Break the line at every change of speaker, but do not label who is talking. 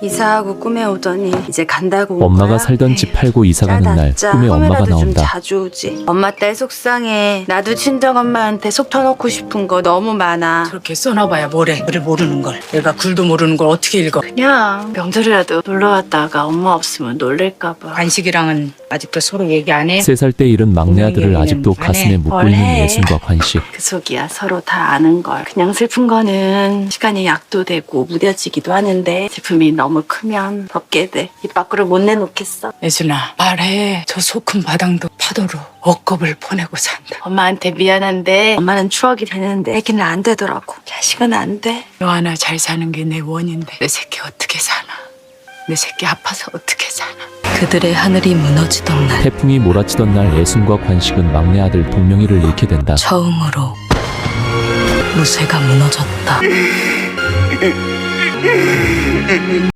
이사하고 꿈에 오더니 이제 간다고 온
엄마가
거야?
살던 집 팔고 이사 가는 날
짜다,
꿈에 엄마가
꿈에라도 좀
나온다.
자주 오지. 엄마 딸 속상해. 나도 친정엄마한테 속 터놓고 싶은 거 너무 많아.
저렇게 써놔봐야 뭐래. 글을 모르는 걸. 얘가 글도 모르는 걸 어떻게 읽어.
그냥 명절이라도 놀러 왔다가 엄마 없으면 놀랄까 봐.
관식이랑은 아직도 서로 얘기 안 해?
3살 때 잃은 막내 아들을 아직도 가슴에 묻고
뭘
있는
해.
예순과 관식.
그 속이야. 서로 다 아는 걸. 그냥 슬픈 거는 시간이 약도 되고 무뎌지기도 하는데 슬픔이 너무 크면 덮게 돼. 입 밖으로 못 내놓겠어.
예순아 말해. 저 소 큰 바당도 파도로 억겁을 보내고 산다.
엄마한테 미안한데 엄마는 추억이 되는데 애기는 안 되더라고. 자식은 안 돼.
너 하나 잘 사는 게 내 원인데 내 새끼 어떻게 사나. 내 새끼 아파서 어떻게 사나.
그들의 하늘이 무너지던 날
태풍이 몰아치던 날 예순과 관식은 막내 아들 동명이를 잃게 된다.
처음으로 무쇠가 무너졌다.